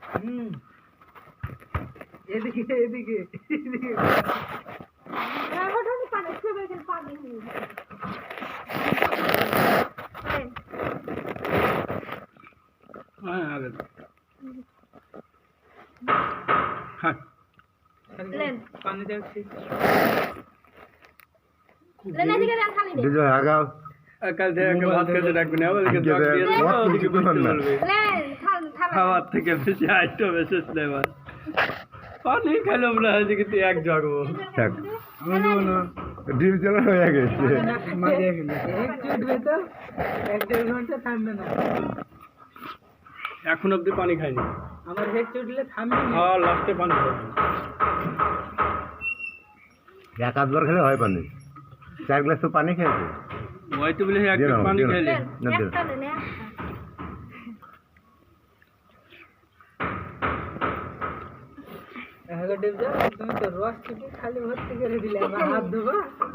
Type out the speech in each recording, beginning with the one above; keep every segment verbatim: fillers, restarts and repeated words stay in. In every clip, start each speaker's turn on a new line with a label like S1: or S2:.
S1: হুম এদিকে এদিকে এদিকে পানি ছুবে গেল পানি
S2: হ্যাঁ আগে হ্যাঁ
S1: লেন পানি দেখছি
S3: লেন এদিকে দেন খালি দে
S4: দিজো আগাও
S2: কাল থেকে ভাত খেতে রাখবেন ওদিকে জগ দিয়ে দেবো ওদিকে বুঝতে পারবে
S3: লেন খাল খাল
S2: খাওয়ার থেকে বেশি আইটেম এসেছ না এবার পানি খেলাম না এদিকে তুই এক জগবো
S4: থাক ডিম চালা হয়ে গেছে
S1: মারিয়ে গেল এক চুটবে তো এক দেড় ঘন্টা থামবে না
S2: এখন অব্দি পানি খাইনি
S1: আমার হেড চুটলে থামবে না
S2: হ্যাঁ লাস্টে পানি খাবো
S4: এক আধবার খেলে হয় পানি চার গ্লাস তো পানি খেয়েছে
S2: ওই তো বলে এক গ্লাস পানি খেলে
S4: না দে
S3: একটা লেন
S1: আগে দেব যা তুমি তো রস চিপে খালি ভর্তি করে দিলে আমার হাত ধোবা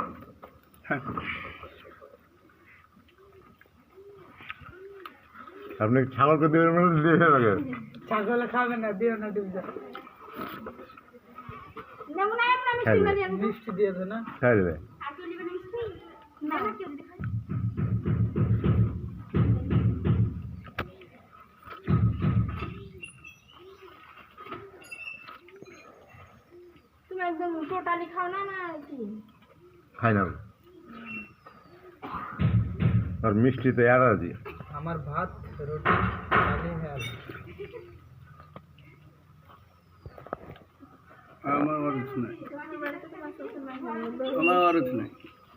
S4: আপনি ছাগলকে দেবেন মানে দিয়ে দেবে
S1: ছাগল খাবে না দিও না দেব যা
S3: নেমু না একটা মিষ্টি করে দেন
S1: মিষ্টি দিয়ে দে না
S4: খাই দেবে
S3: আর তুই নেবেন মিষ্টি না না কেউ দেখাই তুমি একদম টোটালি খাও না না কি
S4: খাই না আর মিষ্টি তো এরা দিয়ে
S1: আমার ভাত রুটি খালি হ্যাঁ
S2: আমার আর কিছু নাই আমার আর কিছু নাই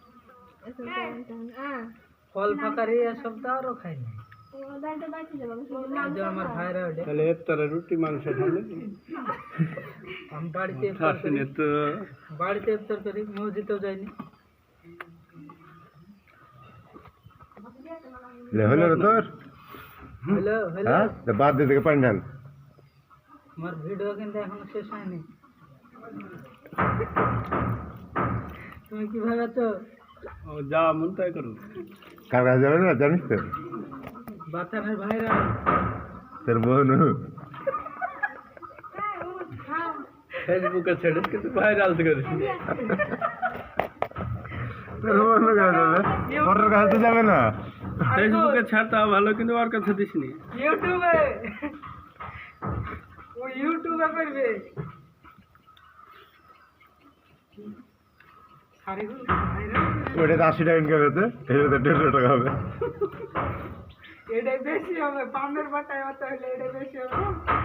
S1: ফল ফাঁকারি এসব তো আরও খাই না এই যে আমার ভাইরা ওটা
S2: তাহলে এর তারা রুটি মাংস খাবে
S1: আমি বাড়িতে ইফতার করি।
S2: থাসনে তো
S1: বাড়িতে ইফতার করি মসজিদেও যাইনি
S4: লে হলো রে তোর
S1: হ্যালো হ্যালো
S4: হ্যাঁ তো বাদ দিয়ে থেকে পানি ঢাল
S1: আমার ভিডিও কিন্তু এখনো শেষ হয়নি তুমি কিভাবে আছো
S2: ও যা মন তাই করো
S4: কার কাছে যাবে না জানিস তো
S1: বাতানের ভাইরা
S4: তোর বোন
S2: ফেসবুকে ছেড়ে কিন্তু ভাইরাল করিস
S4: তোর বোন কাছে যাবে ওর কাছে তো যাবে না
S2: ফেসবুকে ছাড়তা ভালো কিন্তু ওর কাছে দিসনি
S1: ইউটিউবে ও ইউটিউবে করবে সারিগুলো ভাইরা
S4: ওটা তো আশি টাকা ইনকাম হতে এটা তো দেড়শো টাকা হবে
S1: এটাই বেশি হবে পামের বাটায় হতে হলে এটাই বেশি হবে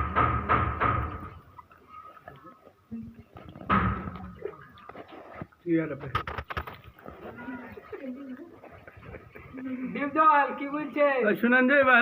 S2: কি আর হবে
S1: ডিপজল কি বলছে
S2: শুনেন যে